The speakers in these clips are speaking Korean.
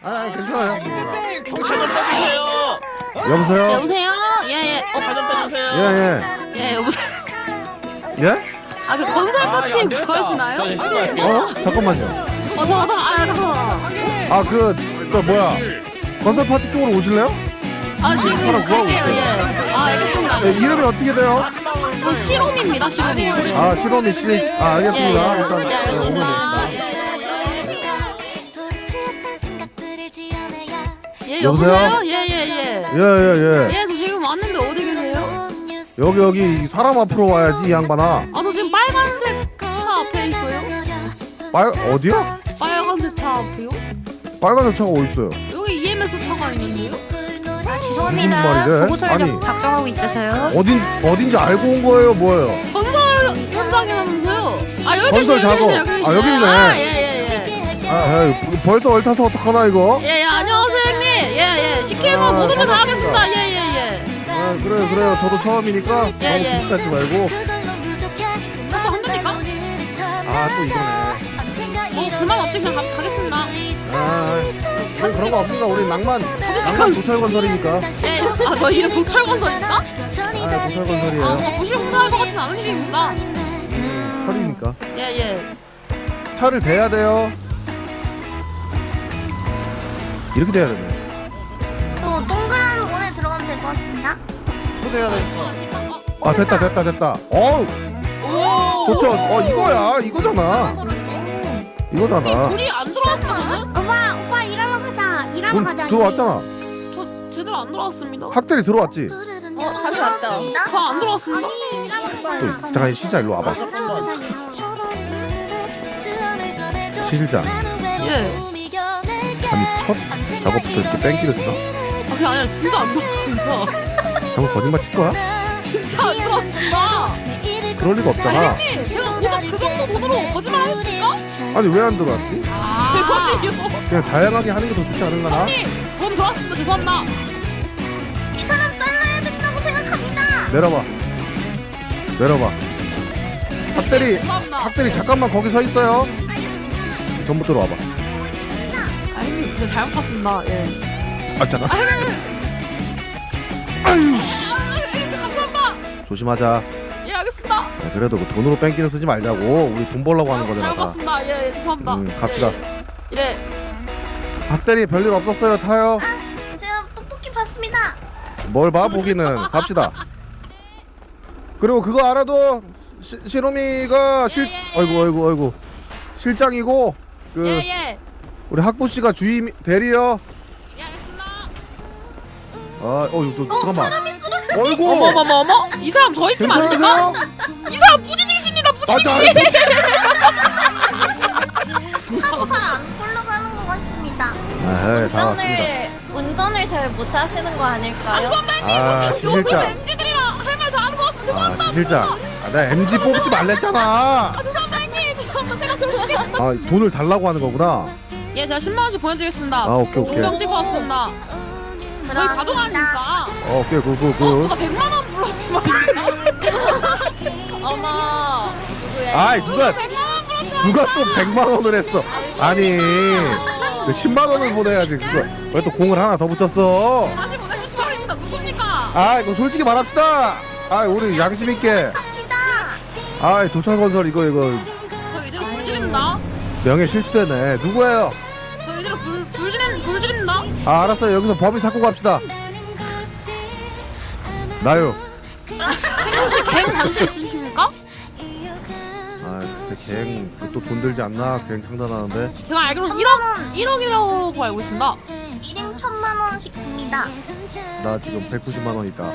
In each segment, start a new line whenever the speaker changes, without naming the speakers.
괜찮아요.
경찰 좀 빼주세요.
여보세요?
여보세요? 예예.
경찰 좀 빼주세요.
예.
여보세요.
예?
아 그 건설 파티 구하시나요?
저 신고할게요.
잠깐만요.
잠깐만.
그 뭐야? 건설 파티 쪽으로 오실래요?
지금
사람 구하고
갈게요.
있어요.
예. 알겠습니다.
네, 이름이 어떻게 돼요?
저 시롬입니다. 시롬이.
시로미 씨. 알겠습니다. 일단
예,
오면
알겠습니다.
됩시다.
예,
여보세요?
여보세요? 예예예.
예.
예, 저 지금 왔는데 어디 계세요?
여기 사람 앞으로 와야지 이 양반아.
저 지금 빨간색 차 앞에 있어요.
어디야?
빨간색 차 앞에요?
빨간색 차가 어디 있어요?
여기 EMS 차가 있는데요?
무슨 말이래?
보고
아니
작성하고 있어서요.
어딘지 알고 온 거예요, 뭐예요?
건설 현장이라면서요? 여기
건설
계시네,
작업.
여기 계시네.
여기 있네.
예예예.
벌써 얼타서 어떡하나 이거?
예, 안녕하세요 형님. 예. 시키는 거 모든 거 다 하겠습니다. 예.
그래요. 저도 처음이니까 너무
예.
비싸지 말고.
또 한답니까?
또 이거네.
불만 없이 그냥 가겠습니다.
그런 거 없습니다. 우리 낭만 도철건설이니까.
예. 저 이름 도철건설입니까?
도철건설이에요.
뭔가 보시면 공사할 것 같진 않은 이름입니다.
철이니까.
예.
차를 대야 돼요. 이렇게 돼야 되네.
동그란 원에 들어가면 될 것 같습니다.
초대해야 되니까.
됐다. 어우,
오.
좋죠. 이거야. 이거잖아.
그렇지?
이거잖아.
돈이 안 들어왔으면
오빠 일하러 가자. 일하러
돈
가자.
들어왔잖아.
저 제대로 안 들어왔습니다.
학대리 들어왔지.
다시 왔다.
저 안 들어왔습니다.
아니 일하러
또
가자.
잠깐 시자 일로 와봐. 시실장.
예.
아니 첫 작업부터 이렇게 뺑기를 쓰나?
그게 아니라 진짜 안 들어왔습니다.
자꾸 거짓말 칠 거야?
진짜 안 들어왔습니다.
그럴 리가 없잖아.
형님, 제가 고작 그 정도 돈으로 거짓말 하십니까?
아니 왜 안 들어왔지?
대박이요.
그냥 다양하게 하는 게 더 좋지 않은가나?
형님, 돈 들어왔습니다. 죄송합니다.
이 사람 잘라야 된다고 생각합니다.
내려봐. 학대리
죄송합니다.
잠깐만 거기 서 있어요. 전부 들어와봐.
형님, 제가 잘못 봤습니다. 예.
잠깐.
감사합니다.
조심하자.
예, 알겠습니다.
그래도 그 돈으로 뺑기는 쓰지 말자고. 우리 돈 벌려고 하는 거잖아.
잘못
다.
봤습니다. 예, 죄송합니다.
갑시다.
예.
학대리 별일 없었어요. 타요.
제가 똑똑히 봤습니다.
뭘 봐 보기는. 갑시다. 그리고 그거 알아도 시로미가 아이고 실장이고 그
예.
우리 학부 씨가 주임 대리요.
예, 알겠습니다.
이거 잠깐만.
사람이 쓰러져.
어이구.
어머. 이 사람 저희 팀 아닙니까?
괜찮으세요?
이 사람 부지직입니다. 부지직.
차도 잘 안 굴러가는 것 같습니다.
다 왔습니다.
운전을 잘 못하시는 거 아닐까요?
시실장.
MZ들이라 할 말 다 하는 것 같습니다. 죄송합니다.
시실장. 내가 MG 뽑지 말랬잖아.
죄송합니다 형님. 죄송합니다. 제가 병신이.
돈을 달라고 하는 거구나.
예, 제가 10만 원씩 보내드리겠습니다.
오케이.
동병 뛰고 왔습니다. 저희 가져가니까.
오케이,
누가 100만 원 불렀지만.
어머.
누가
100만 원 불렀지만.
또 100만 원을 했어. 아니, 그 10만 원을 보내야지. 그거 왜 또 공을 하나 더 붙였어?
다시 보내주시 바랍니다. 누굽니까?
이거 솔직히 말합시다. 우리 양심 있게.
갑시다.
도철건설 이거
저 이대로 불지릅니다.
명예 실추되네. 누구예요?
저 이대로 불지릅니다.
알았어요. 여기서 법인 찾고 갑시다. 나요.
혹시 갱 관심 있으십니까?
글쎄 갱 또 돈 들지 않나? 갱 창단하는데.
제가 알기로는 1억이라고 알고 있습니다.
1인 1,000만 원씩 듭니다.
나 지금 190만 원 있다.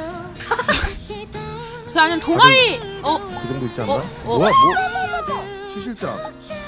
제가 아는 동아리
그 정도 있지 않나?
어?
시실장.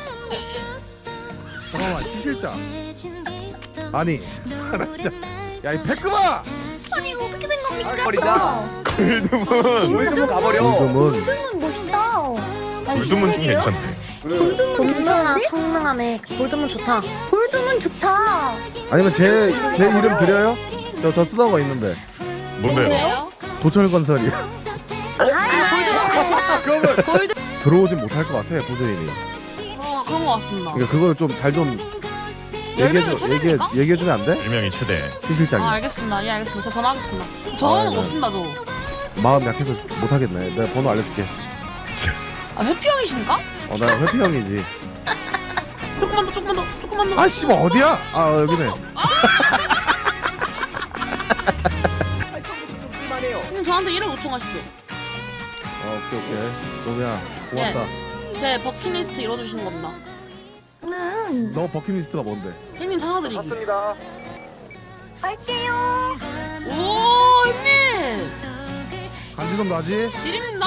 잠깐만, 시실장. 아니, 나 진짜. 야, 이 패급아!
아니 이거 어떻게 된 겁니까?
버리자. 물드문 가버려.
요즘은
멋있다.
물드문 좀 괜찮네.
괜찮아. 성능하네. 볼드문 좋다. 볼드문 좋다.
아니면 제 이름 드려요? 저 쓰던 거 있는데.
뭔데요?
뭐예요?
도철건설이요.
그러면
들어오진 못할 것 같아, 부주임이.
그런 것 같습니다.
그러니까 그걸 좀 잘 좀
10명이 최대입니까?
얘기해주면 안 돼?
1명이 최대.
시 실장이.
아 알겠습니다. 예 알겠습니다. 저 전화하겠습니다. 저는
네.
없습니다 저.
마음 약해서 못하겠네. 내가 번호 알려줄게.
아 회피형이십니까?
나 회피 형이지.
조금만 더.
아 씨발 어디야? 아 여기네.
형님 저한테 1억 요청하십시오.
오케이. 로미야 고맙다.
제 버킷리스트 이뤄주시는 겁니다.
저는
너 버킷리스트가 뭔데?
형님 찾아드리기.
갈게요.
오 형님
간지럼 나지?
지립니다.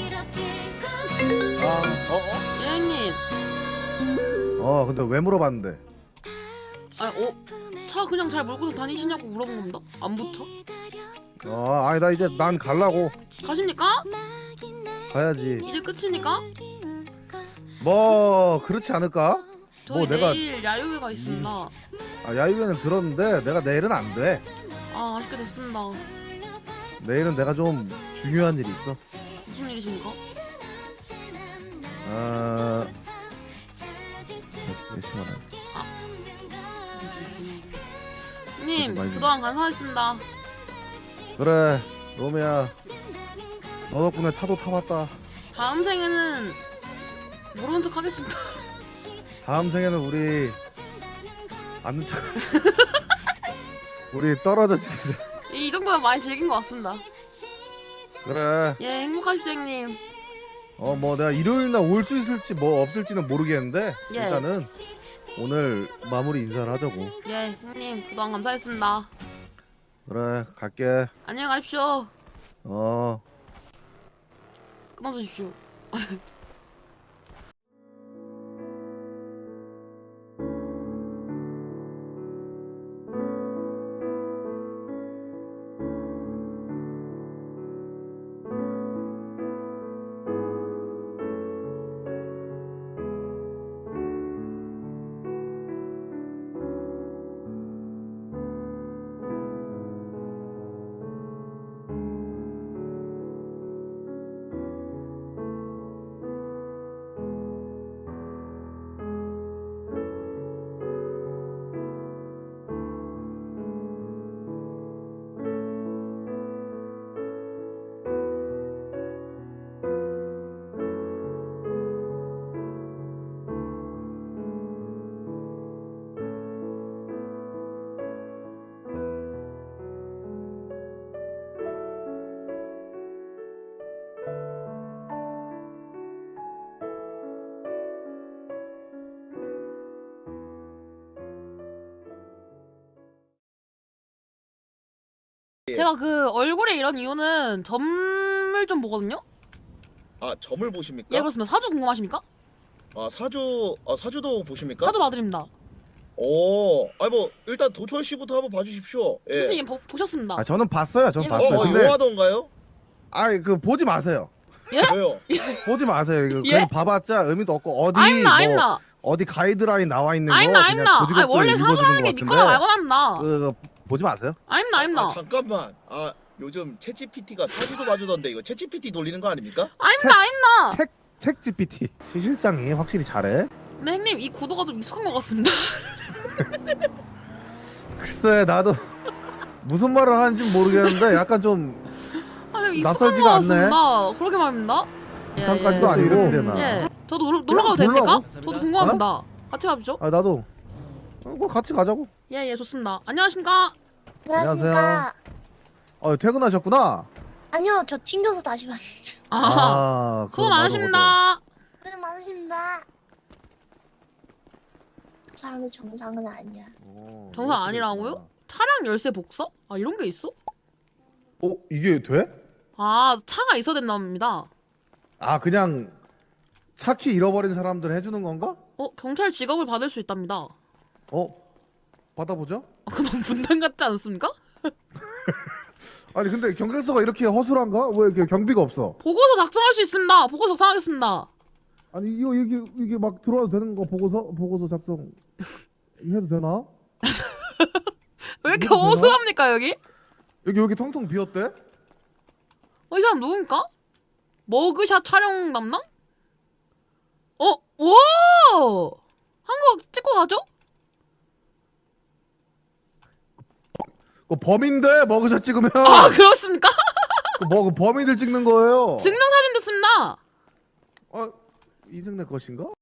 예 형님.
근데 왜 물어봤는데?
차 그냥 잘 몰고 다니시냐고 물어본 겁니다. 안 붙어?
아니 나 이제 난 갈라고.
가십니까?
가야지.
이제 끝입니까?
뭐 그렇지 않을까?
저희
뭐 내가
내일 야유회가 있습니다.
야유회는 들었는데 내가 내일은 안 돼.
아 아쉽게 됐습니다.
내일은 내가 좀 중요한 일이 있어.
무슨 일이십니까?
몇 시간 안.
형님
많이
그동안 감사했습니다.
그래 로미야 너 덕분에 차도 타봤다.
다음 생에는 모르는 척 하겠습니다.
다음 생에는 우리 아는 척 우리 떨어져 지내자.
이 정도면 많이 즐긴 것 같습니다.
그래
예 행복하십시오 형님.
뭐 내가 일요일날 올 수 있을지 뭐 없을지는 모르겠는데
예.
일단은 오늘 마무리 인사를 하자고.
예 형님 그동안 감사했습니다.
그래 갈게.
안녕히 가십시오.
어
끊어주십시오. 제가 그 얼굴에 이런 이유는 점을 좀 보거든요?
점을 보십니까?
예 그렇습니다. 사주 궁금하십니까?
사주도 보십니까?
사주 봐드립니다.
뭐 일단 도철 씨부터 한번 봐주십시오. 예.
선생님 보셨습니다.
저는 봤어요. 전
예.
봤어요. 근데
요하던가요?
그 보지 마세요.
왜요?
보지 마세요. 이거
예?
그냥 봐봤자 의미도 없고 어디
아닙니다.
어디 가이드라인 나와 있는 거
아닙니다.
그냥 고지고대로
원래
읽어주는
사주라는
것
게 믿거나
같은데
말거나 합니다.
그거 보지 마세요.
아닙니다.
잠깐만. 요즘 챗GPT가 사주도 봐주던데 이거 챗GPT 돌리는 거 아닙니까?
아닙니다.
책 GPT 시 실장이 확실히 잘해.
네 형님 이 구도가 좀 익숙한 것 같습니다.
글쎄 나도 무슨 말을 하는지 모르겠는데 약간 좀
좀 익숙한
낯설지가
것
않네.
같습니다. 그렇게 말입니다.
부탄까지도 아니고 이렇게 되나.
예. 저도 놀러 가도
그냥
됩니까?
놀라고?
저도 궁금합니다. 같이 가보죠.
나도 그거 같이 가자고.
예 좋습니다. 안녕하십니까?
안녕하세요. 퇴근하셨구나.
아니요, 저 튕겨서 다시 왔죠.
수고
그거
많으십니다.
고생 많으십니다. 사람은 정상은 아니야.
정상 아니라고요? 차량 열쇠 복사? 이런 게 있어?
이게 돼?
차가 있어야 된답니다
그냥 차키 잃어버린 사람들 해주는 건가?
경찰 직업을 받을 수 있답니다.
받아보죠.
그거 너무 분단 같지 않습니까?
아니 근데 경찰서가 이렇게 허술한가? 왜 이렇게 경비가 없어?
보고서 작성할 수 있습니다. 보고서 작성하겠습니다.
아니 이게 막 들어와도 되는 거 보고서 작성 해도 되나?
왜 이렇게
이거 되나?
어수합니까 여기?
여기 텅텅 비었대?
이 사람 누굽니까? 머그샷 촬영 담당? 오! 한국 찍고 가죠?
그 범인들 머그샷 찍으면
아 그렇습니까?
그 범인들 찍는 거예요.
증명사진 됐습니다.
이승내 것인가?